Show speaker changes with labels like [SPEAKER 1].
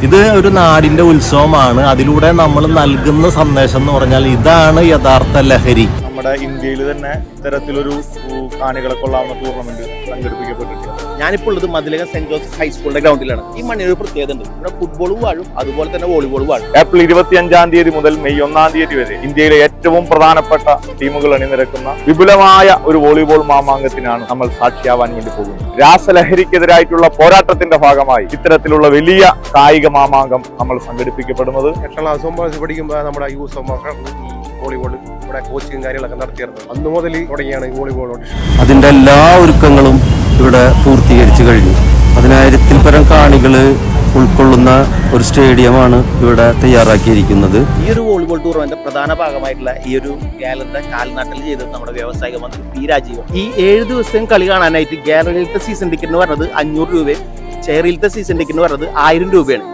[SPEAKER 1] ഇത് ഒരു നാടിന്റെ ഉത്സവമാണ്. അതിലൂടെ നമ്മൾ നൽകുന്ന സന്ദേശം എന്ന് പറഞ്ഞാൽ ഇതാണ് യഥാർത്ഥ ലഹരി.
[SPEAKER 2] നമ്മുടെ ഇന്ത്യയിൽ തന്നെ ഇത്തരത്തിലൊരു കാണികളെ കൊള്ളാവുന്ന ടൂർണമെന്റ് സംഘടിപ്പിക്കപ്പെട്ടിട്ടുണ്ട്.
[SPEAKER 3] ഞാനിപ്പോൾ ഉള്ളത് മതിലകം സെന്റ് ജോസഫ് ഹൈസ്കൂളിന്റെ ഗ്രൗണ്ടിലാണ്. ഈ മണ്ണിന് ഒരു പ്രത്യേകത ഉണ്ട്. ഇവിടെ ഫുട്ബോളും വാഴും, അതുപോലെ തന്നെ വോളിബോളും വാഴും.
[SPEAKER 2] ഏപ്രിൽ 25 മുതൽ മെയ് 1 വരെ ഇന്ത്യയിലെ ഏറ്റവും പ്രധാനപ്പെട്ട ടീമുകൾ അണിനിരക്കുന്ന വിപുലമായ ഒരു വോളിബോൾ മാമാങ്കത്തിനാണ് നമ്മൾ സാക്ഷിയാവാൻ വേണ്ടി പോകുന്നത്. രാസലഹരിക്കെതിരായിട്ടുള്ള പോരാട്ടത്തിന്റെ ഭാഗമായി ഇത്തരത്തിലുള്ള വലിയ കായിക മാമാങ്കം നമ്മൾ സംഘടിപ്പിക്കപ്പെടുന്നത്.
[SPEAKER 4] പഠിക്കുമ്പോൾ നമ്മുടെ യൂസ് വോളിബോൾ ഇവിടെ കോച്ചിങ് കാര്യങ്ങളൊക്കെ നടത്തിയിരുന്നു. അന്ന് മുതൽ തുടങ്ങിയാണ് ഈ വോളിബോൾ.
[SPEAKER 1] അതിന്റെ എല്ലാ ഒരുക്കങ്ങളും ഇവിടെ പൂർത്തീകരിച്ചു കഴിഞ്ഞു. 10,000-ൽ പരം കാണികൾ ഉൾക്കൊള്ളുന്ന ഒരു സ്റ്റേഡിയമാണ് ഇവിടെ തയ്യാറാക്കിയിരിക്കുന്നത്.
[SPEAKER 3] ഈ ഒരു വോളിബോൾ ടൂർണമെന്റ് പ്രധാന ഭാഗമായിട്ടുള്ള ഈ ഒരു ഗാലറിയുടെ കാൽനാട്ടിൽ ചെയ്തത് നമ്മുടെ വ്യവസായിക മന്ത്രി പി രാജീവ്. ഈ 7 ദിവസം കളി കാണാനായിട്ട് ഗാലറിയിലത്തെ സീസൺ ടിക്കറ്റ് എന്ന് പറഞ്ഞത് 500 രൂപയും ചെയറിലത്തെ സീസൺ ടിക്കറ്റ് എന്ന് പറഞ്ഞത് 1000 രൂപയാണ്.